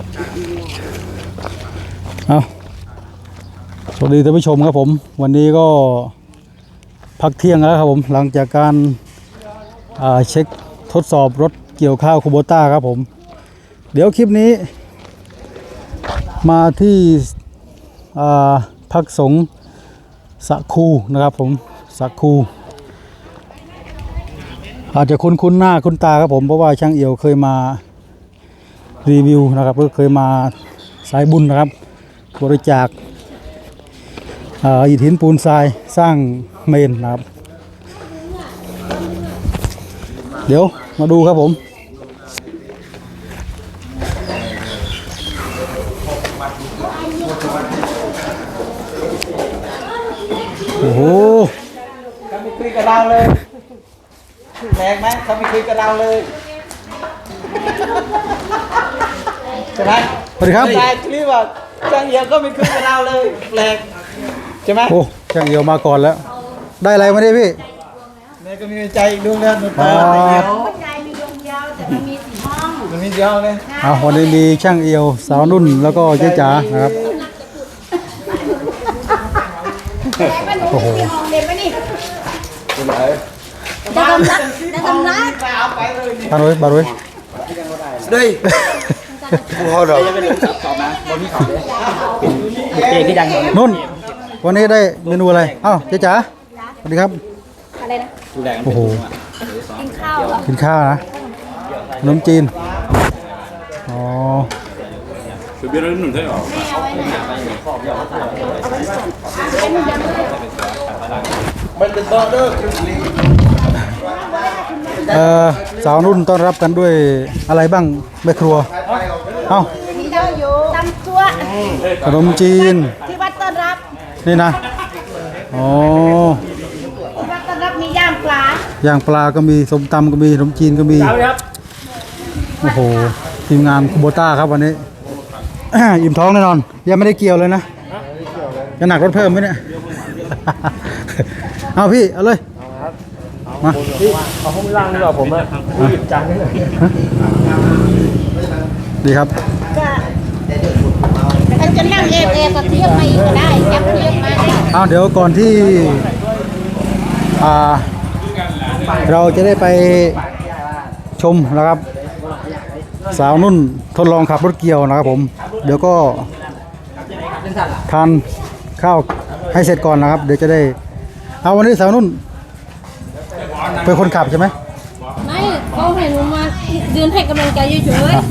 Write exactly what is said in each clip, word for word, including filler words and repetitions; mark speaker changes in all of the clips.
Speaker 1: เอาสวัสดีท่านผู้ชมครับผมวันนี้ก็พักเที่ยงแล้วครับผมหลังจากการเช็คทดสอบรถเกี่ยวข้าวคูโบต้าครับผมเดี๋ยวคลิปนี้มาที่พักสงฆ์สะคูนะครับผมสะคูอาจจะคุ้นคุ้นหน้าคุ้นตาครับผมเพราะว่าช่างเอี่ยวเคยมารีวิวนะครับก็เคยมาสายบุญนะครับบริจาคอิฐหินปูนทรายสร้างเมนนะครับเดี๋ยวมาดูครับผมโอ้โห
Speaker 2: เขาไม่คุยกับเราเลยแรงไหมเขาไม่คุยกับเราเลยใช่ไหม
Speaker 1: สวัสดีครับ
Speaker 2: ใช่คลิปว่าช่างเอี่ยวก็ไม่คุยกับเราเลยแรงใช่ไหม
Speaker 1: โอ้ช่างเอี่ยวมาก่อนแล้วได้อะไรมาดิพี่
Speaker 2: แม่ก็มีใจดวงเดียวหนูตาเดียวใจมีดวงเดียวแต่มันมีสี่ห้องมันมีเดียวเลย
Speaker 1: เอาวันนี้มีช่างเอี่ยวสาวนุ่นแล้วก็เจ๊จ๋านะครับโอ้โหเด็กไหมนี่จะทำรักจะทำรักบารุยบารุย
Speaker 3: đây họ rồi
Speaker 1: นุ่นวันนี้ได้เมนูอะไรอ้าวเจ๊จ๋าสวัสดีครับ
Speaker 4: อะไรนะ
Speaker 1: โอ้โห
Speaker 4: กินข้าวเหรอ
Speaker 1: กินข้าวนะขนมจีนอ๋อคือเบี้ยแล้วหนุ่มใช่หรอ
Speaker 2: มันเป็นเบอร์เดอร์
Speaker 1: เอ่อสาวนุ่นต้อนรับกันด้วยอะไรบ้างแม่ครัวเอ้า
Speaker 4: มีเยอะอยู่ตำตัว
Speaker 1: ขนมจีน
Speaker 4: ที่วัดต้อนรับ
Speaker 1: นี่นะอ๋อ
Speaker 4: ที่วัดต้อนรับมีย่างปลา
Speaker 1: ย่างปลาก็มีส้มตำก็มีขนมจีนก็มีโอ้โหทีมงานคูโบต้าครับวันนี้อิ่มท้องแน่นอนยังไม่ได้เกี่ยวเลยนะจะหนักรถเพิ่มไหมเนี่ยเอาพี่เอาเลยมา
Speaker 2: เอาห้องล่างดีกว่าผมอ่ะหยิบจานได้เลย
Speaker 1: ดีครับ
Speaker 4: ก็จะนั่งเอฟเอก็เทียบมาอีกก็ได้ยับเทียบมาได้
Speaker 1: เอาเดี๋ยวก่อนที่อ่าเราจะได้ไปชมนะครับสาวนุ่นทดลองขับรถเกี่ยวนะครับผมเดี๋ยวก็ทานข้าวให้เสร็จก่อนนะครับเดี๋ยวจะได้เอาวันนี้สาวนุ่นเป็นคนขับใช่ไหม
Speaker 4: ไม่เขาให้หนูมายืนให้กำลังใจเฉย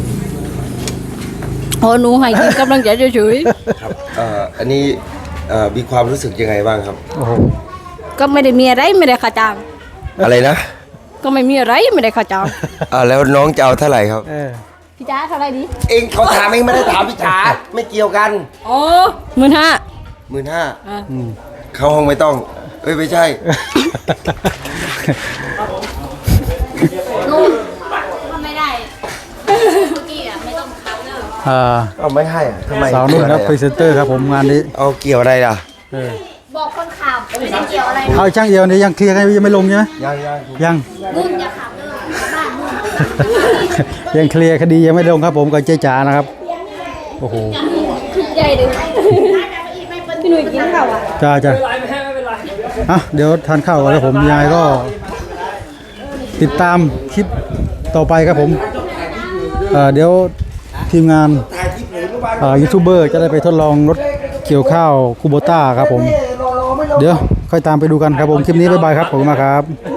Speaker 4: ๆพอหนูให้กำลังใจเฉย
Speaker 3: ๆครับอันนี้มีความรู้สึกยังไงบ้างครับ
Speaker 1: โอ้โห
Speaker 4: ก็ไม่ได้มีอะไรไม่ได้ค่าจ้าง
Speaker 3: อะไรนะ
Speaker 4: ก็ไม่มีอะไรไม่ได้ค่าจ้าง
Speaker 3: อ่าแล้วน้องจะเอาเท่าไหร่ครับ
Speaker 4: พี่จ๋าเท่าไรดี
Speaker 3: เองเขาถามเองไม่ได้ถามพี่จ๋าไม่เกี่ยวกัน
Speaker 4: อ๋อหมื่นห้า
Speaker 3: หมื่นห้าเข้าห้องไม่ต้องเอ้ยไม่ใช่
Speaker 4: ลุงทำไม่ได้เมื่อกี้อ่ะไม่ต้องคับเลย
Speaker 1: อ่า
Speaker 3: เอาไม่ให้อ่ะทำไม
Speaker 1: สาวนุ่นครับพรีเซนเตอร์ครับผมงานนี้
Speaker 3: เอาเกี่ยวอะไรล่ะ
Speaker 4: บอกคนขับไม่ได้เกี่ยวอะไร
Speaker 1: เอาช่างเอี่ยวนี่ยังเคลียร์กันยังไม่ลงใช่ไหม
Speaker 3: ยังยัง
Speaker 1: ยัง
Speaker 4: นุ่นอย่าขับเลยบ้านนุ่
Speaker 1: นยังเคลียร์คดียังไม่ลงครับผมกับเจ๊จ๋านะครับโอ้โห
Speaker 4: ใหญ่เลยพี่หนุ่ยกินข้าวอ่ะ
Speaker 1: จ้าจ้าอ่ะเดี๋ยวทานข้าวก่อนแล้วผมยายก็ติดตามคลิปต่อไปครับผมเอ่อเดี๋ยวทีมงานยูทูบเบอร์จะได้ไปทดลองรถเกี่ยวข้าวคูโบต้าครับผมเดี๋ยวค่อยตามไปดูกันครับผมคลิปนี้บ๊ายบายครับผมมาครับ